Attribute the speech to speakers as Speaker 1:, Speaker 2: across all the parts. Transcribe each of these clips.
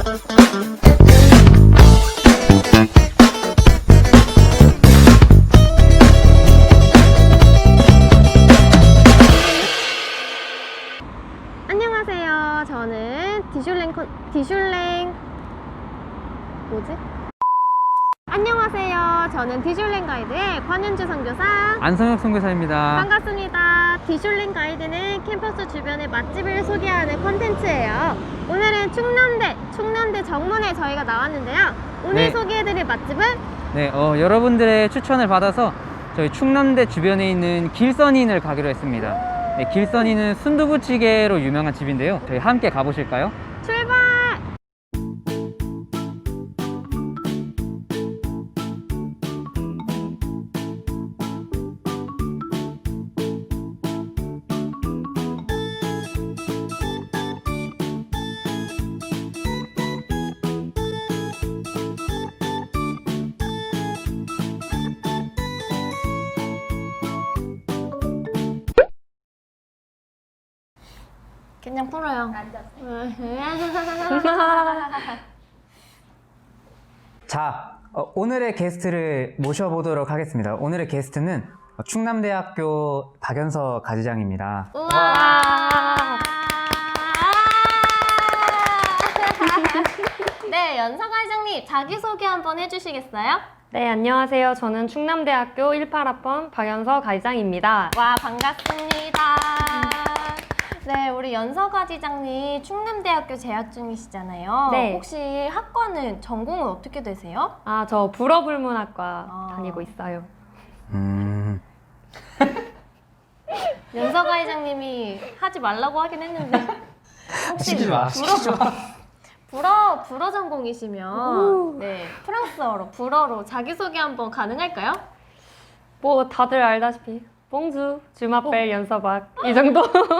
Speaker 1: 안녕하세요. 저는 안녕하세요. 저는 디슐랭 가이드의 관윤주 선교사
Speaker 2: 안성혁 선교사입니다.
Speaker 1: 반갑습니다. 디슐랭 가이드는 캠퍼스 주변의 맛집을 소개하는 컨텐츠예요. 오늘은 충남대 정문에 저희가 나왔는데요. 오늘
Speaker 2: 네.
Speaker 1: 소개해드릴 맛집은
Speaker 2: 네, 여러분들의 추천을 받아서 저희 충남대 주변에 있는 길선인을 가기로 했습니다. 네, 길선인은 순두부찌개로 유명한 집인데요. 저희 함께 가보실까요?
Speaker 1: 출발! 그냥 풀어요.
Speaker 2: 자, 오늘의 게스트를 모셔보도록 하겠습니다. 오늘의 게스트는 충남대학교 박연서 가지장입니다.
Speaker 1: 우와! 네, 연서가 회장님 자기소개 한번 해주시겠어요?
Speaker 3: 네, 안녕하세요. 저는 충남대학교 18학번 박연서 가이장입니다.
Speaker 1: 와, 반갑습니다. 네, 우리 연서가 지장님 충남대학교 재학 중이시잖아요.
Speaker 3: 네.
Speaker 1: 혹시 학과는 전공은 어떻게 되세요?
Speaker 3: 아, 저 불어불문학과 다니고 있어요.
Speaker 1: 연서가 회장님이 하지 말라고 하긴 했는데 혹시
Speaker 2: 시키지 마.
Speaker 1: 불어 전공이시면 네, 프랑스어로 불어로 자기소개 한번 가능할까요?
Speaker 3: 뭐 다들 알다시피 봉주, 주마벨, 연서박 이 정도.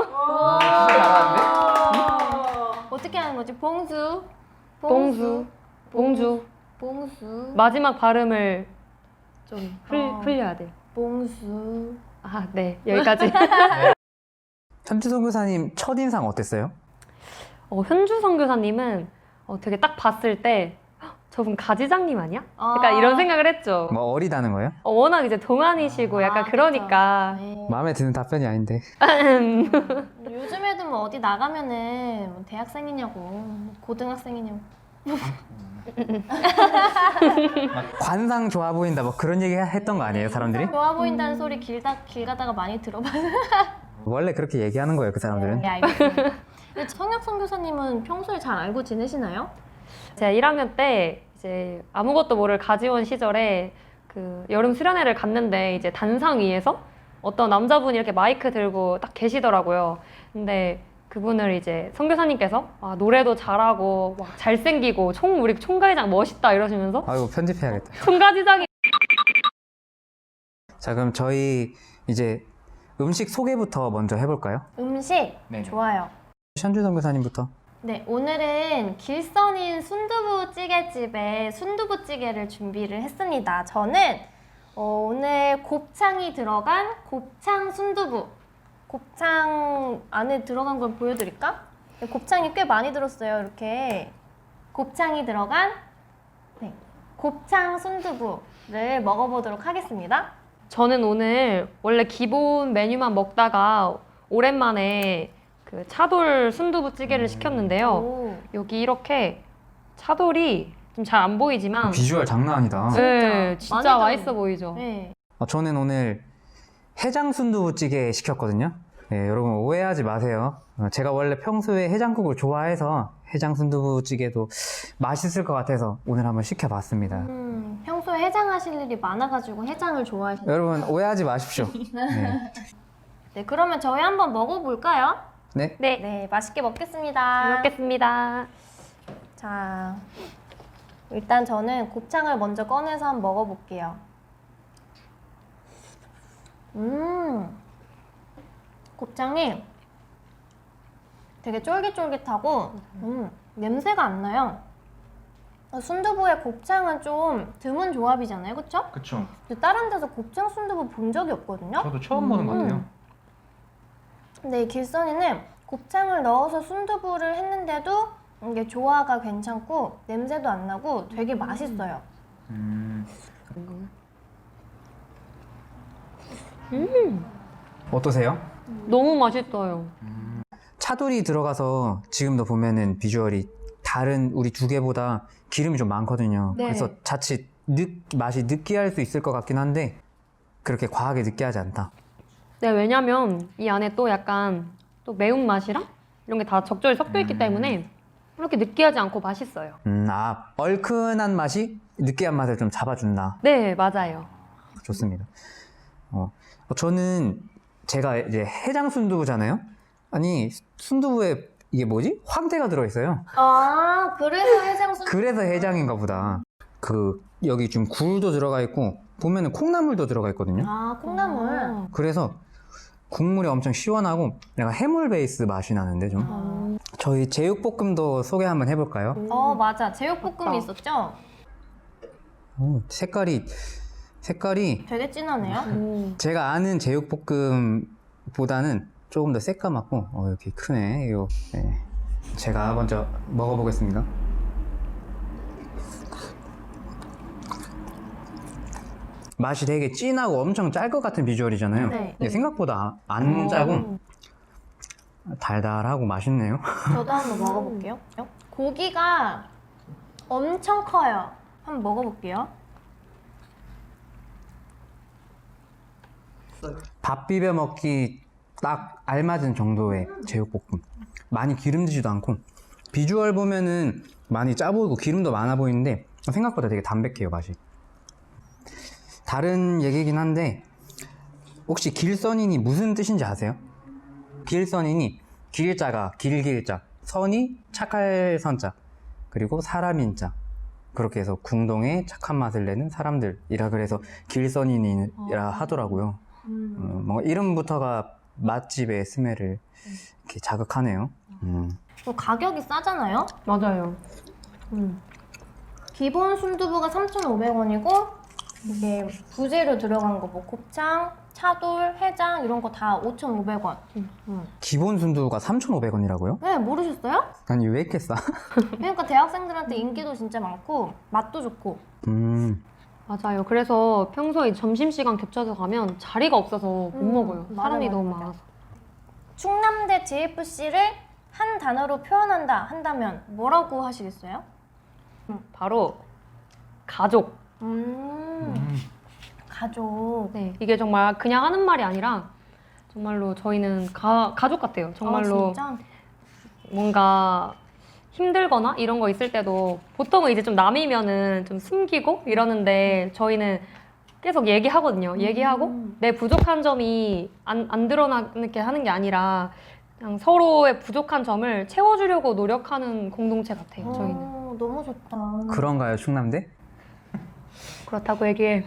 Speaker 1: 어떻게 하는 거지? 봉수,
Speaker 3: 봉주, 봉주.
Speaker 1: 봉수,
Speaker 3: 마지막 발음을 좀 흘려야 돼요.
Speaker 1: 봉수.
Speaker 3: 아, 네, 여기까지.
Speaker 2: 현주 선교사님 첫인상 어땠어요?
Speaker 3: 현주 선교사님은 되게 딱 봤을 때 "헉, 저분 가지장님 아니야? 약간 이런 생각을 했죠.
Speaker 2: 뭐 어리다는 거예요?
Speaker 3: 워낙 이제 동안이시고 약간 그러니까.
Speaker 1: 네.
Speaker 2: 마음에 드는 답변이 아닌데.
Speaker 1: 요즘 애들 뭐 어디 나가면은 뭐 대학생이냐고, 뭐 고등학생이냐고.
Speaker 2: 관상 좋아 보인다 뭐 그런 얘기 했던 거 아니에요, 사람들이?
Speaker 1: 좋아 보인다는 소리 길 가다가 많이 들어봐서.
Speaker 2: 원래 그렇게 얘기하는 거예요, 그 사람들은.
Speaker 1: 네, 알겠습니다. 근데 성혁 선교사님은 평소에 잘 알고 지내시나요?
Speaker 3: 제가 1학년 때 이제 아무것도 모를 가지원 시절에 그 여름 수련회를 갔는데 이제 단상 위에서 어떤 남자분이 이렇게 마이크 들고 딱 계시더라고요. 근데 그분을 이제 선교사님께서 노래도 잘하고 막 잘생기고 우리 총가지장 멋있다 이러시면서
Speaker 2: 아이고, 편집해야겠다.
Speaker 3: 총가지장이
Speaker 2: 자, 그럼 저희 이제 음식 소개부터 먼저 해볼까요?
Speaker 1: 음식
Speaker 2: 네.
Speaker 1: 좋아요.
Speaker 2: 현주 선교사님부터.
Speaker 1: 네, 오늘은 길선인 순두부찌개집에 순두부찌개를 준비를 했습니다. 저는 오늘 곱창이 들어간 곱창 순두부. 곱창 안에 들어간 걸 보여드릴까? 네, 곱창이 꽤 많이 들었어요. 이렇게 곱창이 들어간 곱창 순두부를 먹어보도록 하겠습니다.
Speaker 3: 저는 오늘 원래 기본 메뉴만 먹다가 오랜만에 그 차돌 순두부찌개를 시켰는데요.
Speaker 1: 오,
Speaker 3: 여기 이렇게 차돌이 좀 잘 안 보이지만
Speaker 2: 비주얼 장난 아니다.
Speaker 3: 네, 진짜
Speaker 1: 많이
Speaker 3: 맛있어 보이죠?
Speaker 1: 네.
Speaker 2: 저는 오늘 해장 순두부찌개 시켰거든요. 네, 여러분 오해하지 마세요. 제가 원래 평소에 해장국을 좋아해서 해장 순두부찌개도 맛있을 것 같아서 오늘 한번 시켜봤습니다.
Speaker 1: 평소에 해장하실 일이 많아가지고 해장을 좋아하시나요?
Speaker 2: 여러분 오해하지 마십시오. 네.
Speaker 1: 네, 그러면 저희 한번 먹어볼까요?
Speaker 2: 네.
Speaker 3: 네,
Speaker 1: 네, 맛있게 먹겠습니다.
Speaker 3: 잘 먹겠습니다.
Speaker 1: 자, 일단 저는 곱창을 먼저 꺼내서 한번 먹어볼게요. 곱창이 되게 쫄깃쫄깃하고 냄새가 안 나요. 순두부에 곱창은 좀 드문 조합이잖아요, 그쵸?
Speaker 4: 그쵸.
Speaker 1: 근데 다른 데서 곱창 순두부 본 적이 없거든요?
Speaker 4: 저도 처음 보는 것 같아요.
Speaker 1: 근데 이 길선이는 곱창을 넣어서 순두부를 했는데도 이게 조화가 괜찮고 냄새도 안 나고 되게 맛있어요.
Speaker 2: 어떠세요?
Speaker 3: 너무 맛있어요.
Speaker 2: 차돌이 들어가서 지금도 보면은 비주얼이 다른 우리 두 개보다 기름이 좀 많거든요.
Speaker 1: 네.
Speaker 2: 그래서 자칫 맛이 느끼할 수 있을 것 같긴 한데 그렇게 과하게 느끼하지 않다.
Speaker 3: 네, 왜냐면 이 안에 또 약간 또 매운맛이랑 이런 게 다 적절히 섞여 있기 때문에 그렇게 느끼하지 않고 맛있어요.
Speaker 2: 얼큰한 맛이 느끼한 맛을 좀 잡아준다.
Speaker 3: 네, 맞아요.
Speaker 2: 좋습니다. 저는 제가 이제 해장 순두부잖아요. 아니 순두부에 이게 뭐지? 황태가 들어있어요.
Speaker 1: 아, 그래서 해장순.
Speaker 2: 그래서 해장인가 보다. 여기 좀 굴도 들어가 있고 보면은 콩나물도 들어가 있거든요.
Speaker 1: 아, 콩나물.
Speaker 2: 그래서 국물이 엄청 시원하고 약간 해물 베이스 맛이 나는데 좀. 저희 제육볶음도 소개 한번 해볼까요?
Speaker 1: 맞아. 제육볶음이 있었죠?
Speaker 2: 색깔이
Speaker 1: 되게 진하네요.
Speaker 2: 제가 아는 제육볶음보다는 조금 더 새까맣고 이렇게 크네. 이거 네. 제가 먼저 먹어보겠습니다. 맛이 되게 진하고 엄청 짤 것 같은 비주얼이잖아요.
Speaker 1: 네.
Speaker 2: 근데 생각보다 안 짜고 달달하고 맛있네요.
Speaker 1: 저도 한번 먹어볼게요. 고기가 엄청 커요. 한번 먹어볼게요.
Speaker 2: 밥 비벼 먹기 딱 알맞은 정도의 제육볶음. 많이 기름지지도 않고 비주얼 보면은 많이 짜 보이고 기름도 많아 보이는데 생각보다 되게 담백해요, 맛이. 다른 얘기긴 한데 혹시 길선인이 무슨 뜻인지 아세요? 길선인이 길자가 길길자, 선이 착할 선자, 그리고 사람인자, 그렇게 해서 궁동에 착한 맛을 내는 사람들이라 그래서 길선인이라 하더라고요. 뭔가 이름부터가 맛집의 스멜을 이렇게 자극하네요.
Speaker 1: 가격이 싸잖아요?
Speaker 3: 맞아요.
Speaker 1: 기본 순두부가 3,500원이고 이게 부재료 들어간 거 뭐 곱창, 차돌, 해장 이런 거 다 5,500원.
Speaker 2: 기본 순두부가 3,500원이라고요?
Speaker 1: 네, 모르셨어요?
Speaker 2: 아니 왜 이렇게 싸?
Speaker 1: 그러니까 대학생들한테 인기도 진짜 많고 맛도 좋고.
Speaker 3: 맞아요. 그래서 평소에 점심시간 겹쳐서 가면 자리가 없어서 못 먹어요.
Speaker 1: 맞아,
Speaker 3: 사람이
Speaker 1: 맞아,
Speaker 3: 너무
Speaker 1: 맞아.
Speaker 3: 많아서.
Speaker 1: 충남대 JFC를 한 단어로 표현한다 한다면 뭐라고 하시겠어요?
Speaker 3: 바로 가족.
Speaker 1: 가족.
Speaker 3: 네, 이게 정말 그냥 하는 말이 아니라 정말로 저희는 가족 같아요. 정말로
Speaker 1: 진짜?
Speaker 3: 뭔가 힘들거나 이런 거 있을 때도 보통은 이제 좀 남이면은 좀 숨기고 이러는데 저희는 계속 얘기하거든요. 얘기하고 내 부족한 점이 안 드러나게 하는 게 아니라 그냥 서로의 부족한 점을 채워주려고 노력하는 공동체 같아요. 저희는.
Speaker 1: 너무 좋다.
Speaker 2: 그런가요, 충남대?
Speaker 3: 그렇다고 얘기해.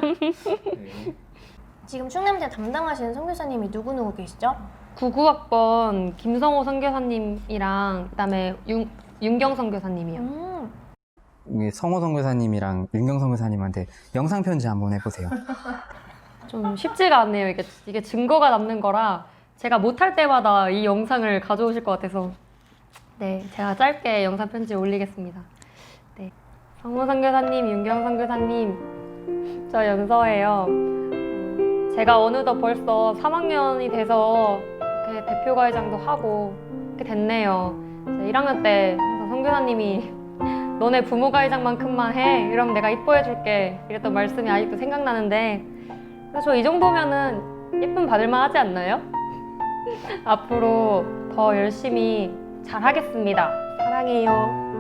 Speaker 1: 지금 충남대 담당하시는 선교사님이 누구 계시죠?
Speaker 3: 99학번 김성호 선교사님이랑 그다음에 윤경 선교사님이요.
Speaker 2: 성호 선교사님이랑 윤경 선교사님한테 영상 편지 한번 해보세요.
Speaker 3: 좀 쉽지가 않네요. 이게 증거가 남는 거라 제가 못할 때마다 이 영상을 가져오실 것 같아서 네, 제가 짧게 영상 편지 올리겠습니다. 네, 성호 선교사님, 윤경 선교사님, 저 연서예요. 제가 어느덧 벌써 3학년이 돼서 이렇게 대표과회장도 하고 이렇게 됐네요. 1학년 때 항상 선교사님이 너네 부모과회장만큼만 해. 이러면 내가 이뻐해 줄게. 이랬던 말씀이 아직도 생각나는데 저 이 정도면은 예쁨 받을만 하지 않나요? 앞으로 더 열심히 잘 하겠습니다. 사랑해요.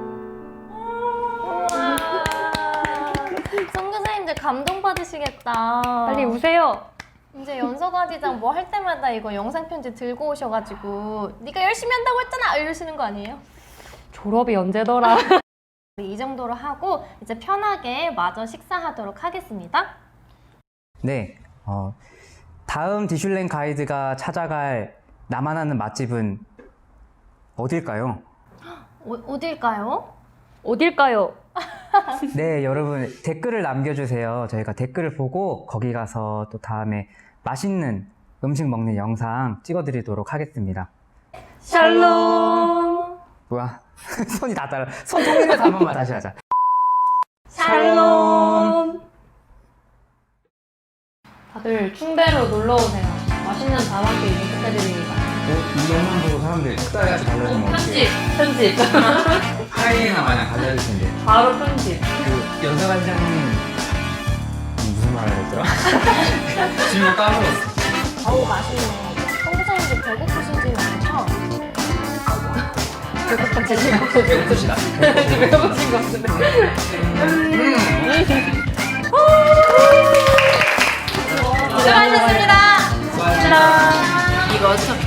Speaker 1: 선교사님들 감동받으시겠다.
Speaker 3: 빨리 우세요.
Speaker 1: 이제 연서과지장 뭐 할 때마다 이거 영상 편지 들고 오셔가지고 네가 열심히 한다고 했잖아 이러시는 거 아니에요?
Speaker 3: 졸업이 언제더라?
Speaker 1: 이 정도로 하고 이제 편하게 마저 식사하도록 하겠습니다.
Speaker 2: 네, 다음 디슐랭 가이드가 찾아갈 나만 아는 맛집은 어딜까요?
Speaker 1: 어딜까요?
Speaker 3: 어딜까요?
Speaker 2: 네, 여러분 댓글을 남겨주세요. 저희가 댓글을 보고 거기 가서 또 다음에 맛있는 음식 먹는 영상 찍어드리도록 하겠습니다.
Speaker 3: 샬롬.
Speaker 2: 뭐야? 손이 다 따라. 손 통일해서 한 번만 다시 하자.
Speaker 3: 샬롬. 다들 충대로 놀러 오세요. 맛있는 다방길 부탁드립니다.
Speaker 2: 이 영상 보고 사람들이 식사같이 달라지면 어떡해.
Speaker 3: 편집.
Speaker 2: 하이에나 마냥 달라질 텐데.
Speaker 3: 바로 편집.
Speaker 2: 그 연사관 시장님 무슨 말을 했더라? 지금 까먹었어.
Speaker 1: 어우, 맛있네. 홍보사님들 배고프신지 않죠?
Speaker 2: 배고프시다.
Speaker 3: 배고프신 것 같은데.
Speaker 1: 수고하셨습니다.
Speaker 2: 수고하셨습니다.
Speaker 1: 이거 어떻게